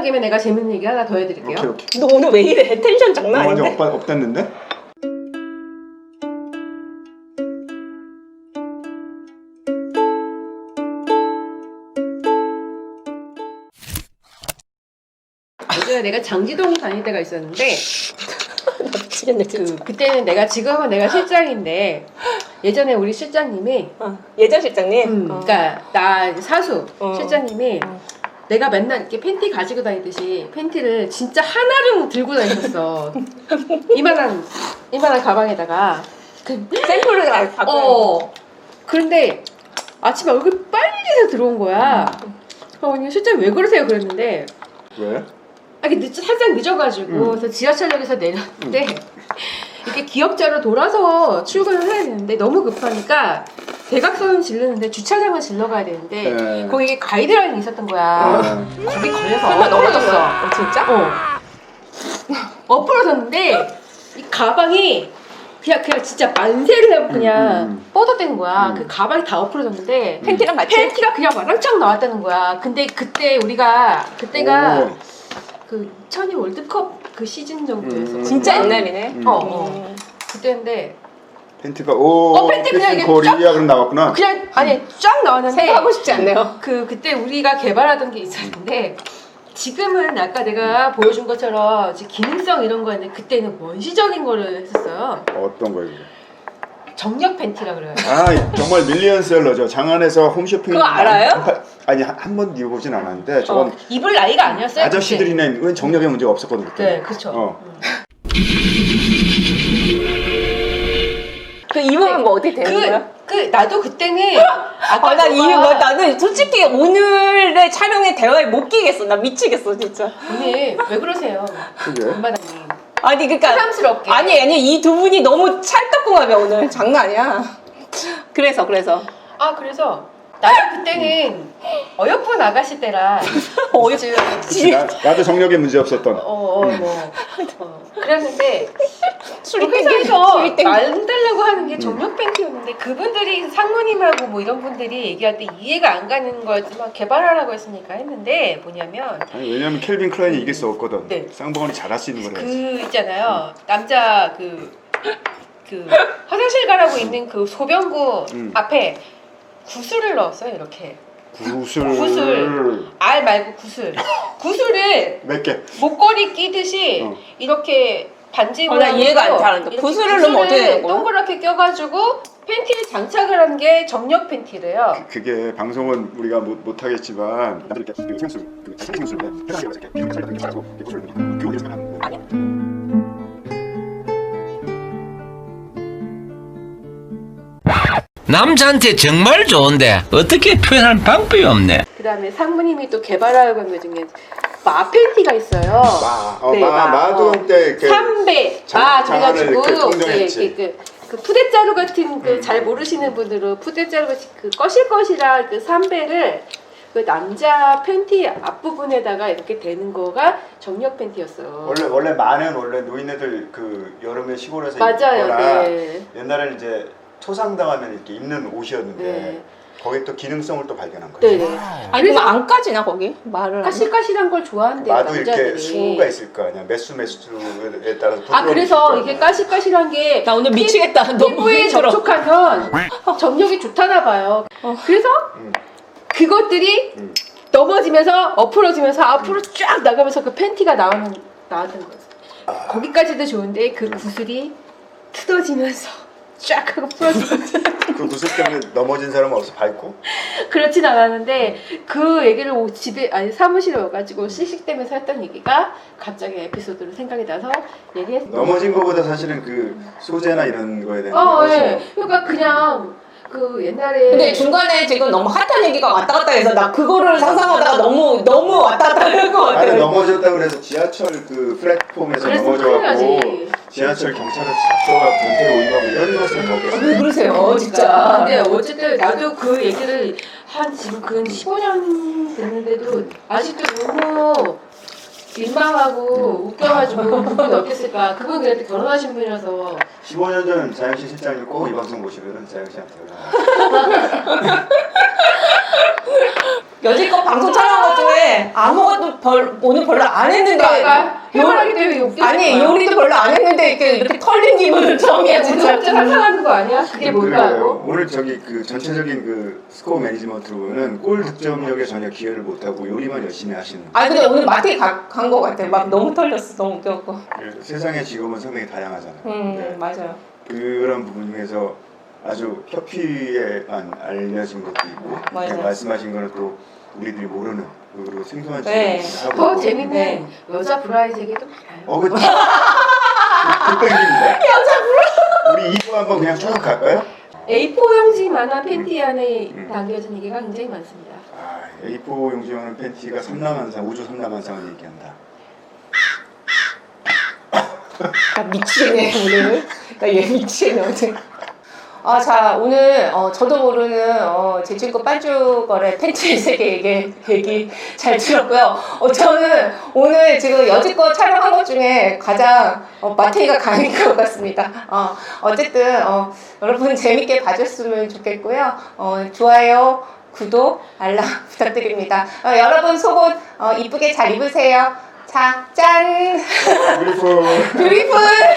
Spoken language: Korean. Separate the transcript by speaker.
Speaker 1: 시간 김에 내가 재밌는 얘기 하나 더 해드릴게요.
Speaker 2: 오케이.
Speaker 3: 너 오늘 왜 이래? 텐션 장난 아닌데?
Speaker 2: 완전 업됐는데?
Speaker 1: 예전에 내가 장지동 다닐 때가 있었는데
Speaker 3: 나 미치겠네 진짜.
Speaker 1: 그때는 지금은 내가 실장인데 예전에 우리 실장님이
Speaker 3: 예전 실장님?
Speaker 1: 그러니까 나 사수 실장님이
Speaker 3: 어.
Speaker 1: 내가 맨날 이렇게 팬티 가지고 다니듯이 팬티를 진짜 하나를 들고 다녔었어. 이만한 가방에다가
Speaker 3: 샘플을 갖고.
Speaker 1: 그런데 아침에 얼굴 빨리서 들어온 거야. 그래서 실장 왜 그러세요? 그랬는데
Speaker 2: 왜?
Speaker 1: 살짝 늦어가지고 그래서 지하철역에서 내렸는데 이렇게 기역자로 돌아서 출근을 해야 되는데 너무 급하니까 대각선은 질르는데 주차장을 질러가야 되는데
Speaker 2: 네.
Speaker 1: 거기에 가이드라인이 있었던 거야. 거기 걸려서
Speaker 3: 설마
Speaker 1: 엎어졌어.
Speaker 3: 진짜?
Speaker 1: 엎어졌는데 이 가방이 그냥 진짜 만세를 하고 그냥 뻗어댄 거야. 그 가방이 다 엎어졌는데
Speaker 3: 팬티랑 같이?
Speaker 1: 팬티가 그냥 와랑창 나왔다는 거야. 근데 그때가 그 2002 월드컵 그 시즌 정도였어.
Speaker 3: 진짜 옛날이네.
Speaker 1: 그때인데
Speaker 2: 팬티가
Speaker 1: 팬티 그냥 이게
Speaker 2: 거리야 그럼 나왔구나.
Speaker 1: 그냥 아니 쫙 나왔는데
Speaker 3: 생각하고 싶지 않네요.
Speaker 1: 그때 우리가 개발하던 게 있었는데 지금은 아까 내가 보여준 것처럼 기능성 이런 거였는데 그때는 원시적인 거를 했었어요.
Speaker 2: 어떤 거예요?
Speaker 1: 정력 팬티라 그래요.
Speaker 2: 정말 밀리언셀러죠. 장안에서 홈쇼핑.
Speaker 3: 그거 알아요?
Speaker 2: 아니 한 번도 입어보진 않았는데 저건
Speaker 1: 입을 나이가 아니었어요.
Speaker 2: 아저씨들이나 정력에 문제가 없었거든 그때.
Speaker 1: 네, 그렇죠.
Speaker 3: 그 입으면 뭐 어떻게 되는 거야?
Speaker 1: 나도 그때는
Speaker 3: 나는 솔직히 오늘의 촬영에 대화에 못 끼겠어. 나 미치겠어 진짜.
Speaker 1: 언니 왜 그러세요?
Speaker 2: 그게?
Speaker 1: 엄마다님.
Speaker 3: 아니 그러니까
Speaker 1: 새삼스럽게.
Speaker 3: 아니 이 두 분이 너무 찰떡궁합이야 오늘. 장난 아니야. 그래서
Speaker 1: 그래서 나도 그때는 어여쁜 아가씨 때라
Speaker 2: 나도 정력에 문제 없었던.
Speaker 1: 그랬는데
Speaker 3: 술이
Speaker 1: 회사에서
Speaker 3: 땡겨.
Speaker 1: 만들려고 하는 게 정력 팬티였는데 그분들이 상무님하고 뭐 이런 분들이 얘기할 때 이해가 안 가는 거였지만 개발하라고 했으니까 했는데 뭐냐면
Speaker 2: 왜냐면 켈빈 클라인이 이길 수 없거든.
Speaker 1: 네.
Speaker 2: 쌍봉원이 잘할 수 있는 거래.
Speaker 1: 있잖아요. 남자 화장실 가라고 있는 그 소변구 앞에 구슬을 넣었어요. 이렇게 구슬 알 말고 구슬을
Speaker 2: 몇 개?
Speaker 1: 목걸이 끼듯이 이렇게 반지
Speaker 3: 나 이해가 안 가는데 구슬을 넣으면 어떻게 되는 거야?
Speaker 1: 동그랗게 껴가지고 팬티를 장착을 한 게 정력 팬티래요.
Speaker 2: 그게 방송은 우리가 못 하겠지만 이렇게 생수 생수인데 해당이 이렇게 이렇게 살짝 이렇게 하고 이렇게 구슬을 넣으니까 그 어디서 하는 거 아니야?
Speaker 4: 남자한테 정말 좋은데 어떻게 표현할 방법이 없네.
Speaker 1: 그 다음에 상무님이 또 개발하려고 한 것 중에 마 팬티가 있어요.
Speaker 2: 마도 그때
Speaker 1: 삼배
Speaker 2: 장안을
Speaker 1: 그래가지고 그 푸대자루 같은 잘 모르시는 분들은 푸대자루 같이 거실거실한 그 삼배를 그 남자 팬티 앞부분에다가 이렇게 대는 거가 정력 팬티였어요.
Speaker 2: 원래 많은 노인네들 그 여름에 시골에서
Speaker 1: 맞아요.
Speaker 2: 입거나
Speaker 1: 네.
Speaker 2: 옛날에는 이제 토상당하면 이렇게 입는 옷이었는데
Speaker 1: 네.
Speaker 2: 거기에 또 기능성을 또 발견한 거죠.
Speaker 1: 네네.
Speaker 3: 아니 그럼 안 까지나 거기? 말을
Speaker 1: 까실까실한 걸 좋아한대요.
Speaker 2: 마도
Speaker 1: 남자들이.
Speaker 2: 이렇게 수가 있을 거 아니야. 매수에 따라서
Speaker 1: 그래서 이게 까실까실한 게
Speaker 3: 나 오늘 미치겠다. 너무
Speaker 1: 피부에
Speaker 3: 힘들어.
Speaker 1: 접촉하면 정력이 좋다나 봐요. 그래서 그것들이 넘어지면서 엎어지면서 앞으로 쫙 나가면서 그 팬티가 나왔던 거죠. 거기까지도 좋은데 그 구슬이 뜯어지면서 쫙 하고 풀어지면서
Speaker 2: 그 구슬 때문에 넘어진 사람은 없어 밟고?
Speaker 1: 그렇진 않았는데 그 얘기를 사무실에 와가지고 씩씩대면서 했던 얘기가 갑자기 에피소드로 생각이 나서 얘기했어요.
Speaker 2: 넘어진 거보다 사실은 그 소재나 이런 거에 대한
Speaker 1: 네. 그러니까 그냥 그 옛날에
Speaker 3: 근데 중간에 지금 너무 핫한 얘기가 왔다 갔다 해서 나 그거를 상상하다가 너무 왔다 갔다 할 것 같아요.
Speaker 2: 넘어졌다 그래서 지하철 그 플랫폼에서 넘어져갖고 지하철 경찰을 잡혀가 변태로 오인하고 이런 것을 먹겠어요.
Speaker 3: 왜 그러세요 진짜.
Speaker 1: 근데 어쨌든 나도 그 얘기를 지금 근 15년 됐는데도 아직도 너무 민망하고 웃겨가지고 그분이 어땠을까. 그분 그때 결혼하신 분이라서
Speaker 2: 15년 전 자영씨 실장님 꼭 이 방송 보시면은 자영씨한테
Speaker 3: 여지껏 방송 촬영한 것 중에 아무것도 오늘 별로 안 했는데
Speaker 1: 아까 해바라기 때문에 욕
Speaker 3: 아니 요리도 별로 안 했는데 이렇게 털린 기분은 처음이야 진짜.
Speaker 1: 진짜 상상하는 거 아니야? 그게 뭘까 하고?
Speaker 2: 그래요. 오늘 저기 그 전체적인 그 스코어 매니지먼트로는 골 득점력에 전혀 기여를 못하고 요리만 열심히 하시는.
Speaker 3: 아니 근데 오늘 마트에 간 거 같아. 막 너무 털렸어. 너무 웃겨갖고.
Speaker 2: 세상의 직업은 상당히 다양하잖아요. 네.
Speaker 3: 맞아요.
Speaker 2: 그런 부분 중에서 아주 협피에만 알려진 것도 있고
Speaker 3: 맞아요.
Speaker 2: 말씀하신 거는 또 우리들이 모르는 그 생소한
Speaker 3: 네.
Speaker 2: 직업이기도 하고
Speaker 1: 더 재밌는
Speaker 3: 네.
Speaker 1: 여자 브라이 세계도 많아요.
Speaker 2: 그쵸. 그 땡깁니다. 여자 우리 2부 한번 그냥 쭉 갈까요?
Speaker 1: A4 용지만한 팬티 안에 담겨진 얘기가 굉장히 많습니다.
Speaker 2: A4 용지하는 팬티가 삼라만상, 우주 삼라만상을 얘기한다.
Speaker 3: 나 미치겠네 오늘. 나 얘 미치겠네 오늘. 자 오늘 저도 모르는 제 친구 빤쭈거래 팬츠 세계 얘기 잘 들었고요. 저는 오늘 지금 여지껏 촬영한 것 중에 가장 마태이가 강인 것 같습니다. 어쨌든 여러분 재밌게 봐줬으면 좋겠고요. 좋아요, 구독, 알람 부탁드립니다. 여러분 속옷 이쁘게 잘 입으세요. 자, 짠!
Speaker 2: 뷰티풀.
Speaker 3: 뷰티풀!